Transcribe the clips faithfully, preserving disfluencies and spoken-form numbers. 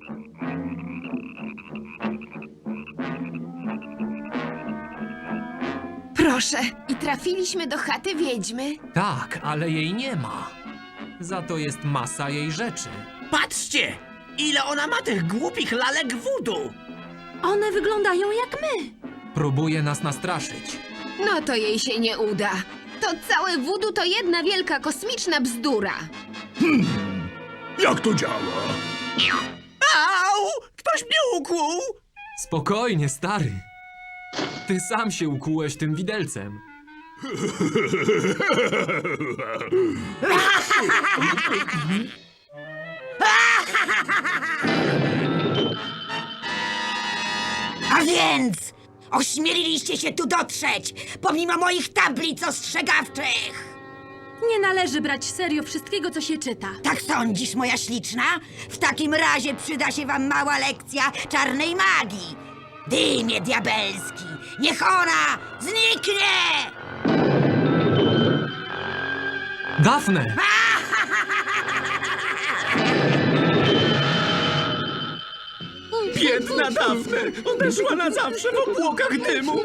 Proszę, i trafiliśmy do chaty wiedźmy. Tak, ale jej nie ma. Za to jest masa jej rzeczy. Patrzcie! Ile ona ma tych głupich lalek voodoo! One wyglądają jak my. Próbuje nas nastraszyć. No to jej się nie uda. To całe voodoo to jedna wielka kosmiczna bzdura. Jak to działa? Au! Ktoś mnie ukłuł! Spokojnie, stary. Ty sam się ukułeś tym widelcem. A więc ośmieliliście się tu dotrzeć, pomimo moich tablic ostrzegawczych. Nie należy brać serio wszystkiego, co się czyta. Tak sądzisz, moja śliczna? W takim razie przyda się wam mała lekcja czarnej magii. Dymie diabelski, niech ona zniknie! Dafne! Biedna Dafne! Odeszła na zawsze w obłokach dymu!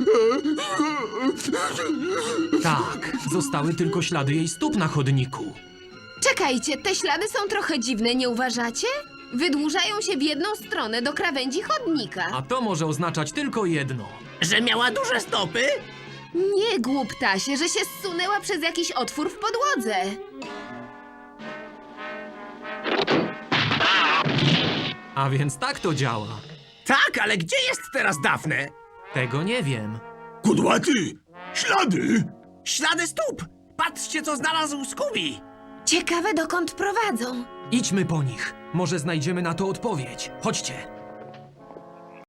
Tak, zostały tylko ślady jej stóp na chodniku. Czekajcie, te ślady są trochę dziwne, nie uważacie? Wydłużają się w jedną stronę do krawędzi chodnika. A to może oznaczać tylko jedno. Że miała duże stopy? Nie, głuptasie, że się zsunęła przez jakiś otwór w podłodze. A więc tak to działa. Tak, ale gdzie jest teraz Dafne? Tego nie wiem. Kudłaty! Ślady! Ślady stóp! Patrzcie, co znalazł Scooby! Ciekawe, dokąd prowadzą. Idźmy po nich. Może znajdziemy na to odpowiedź. Chodźcie.